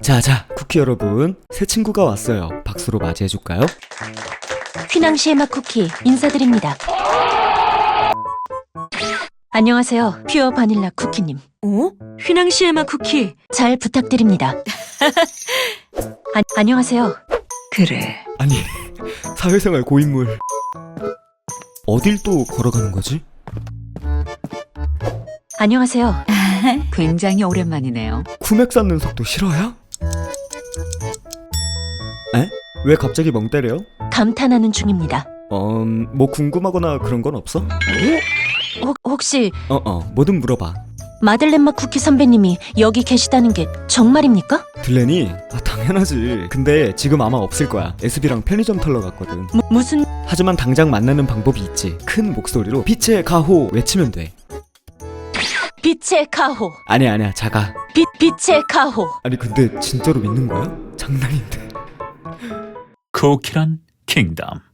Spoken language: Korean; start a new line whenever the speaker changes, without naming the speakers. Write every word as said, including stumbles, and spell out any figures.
자자, 쿠키 여러분, 새 친구가 왔어요. 박수로 맞이해줄까요?
휘낭시의 맛 쿠키 인사드립니다. 안녕하세요. 퓨어 바닐라 쿠키님.
어? 휘낭시의 맛 쿠키.
잘 부탁드립니다. 아, 안녕하세요.
그래.
아니, 사회생활 고인물. 어딜 또 걸어가는 거지?
안녕하세요.
굉장히 오랜만이네요.
쿠맥 쌓는 속도 싫어요? 에? 왜 갑자기 멍 때려요?
감탄하는 중입니다.
어, 뭐 궁금하거나 그런 건 없어?
혹, 혹시
어어, 뭐든 물어봐.
마들렌 맛 쿠키 선배님이 여기 계시다는 게 정말입니까?
들레니? 아, 당연하지. 근데 지금 아마 없을 거야. 에스비랑 편의점 털러 갔거든.
무, 무슨...
하지만 당장 만나는 방법이 있지. 큰 목소리로 빛의 가호 외치면 돼.
빛의 가호.
아니야 아니야, 작아.
빛, 빛의 가호.
아니 근데 진짜로 믿는 거야? 장난인데.
쿠키란 킹덤.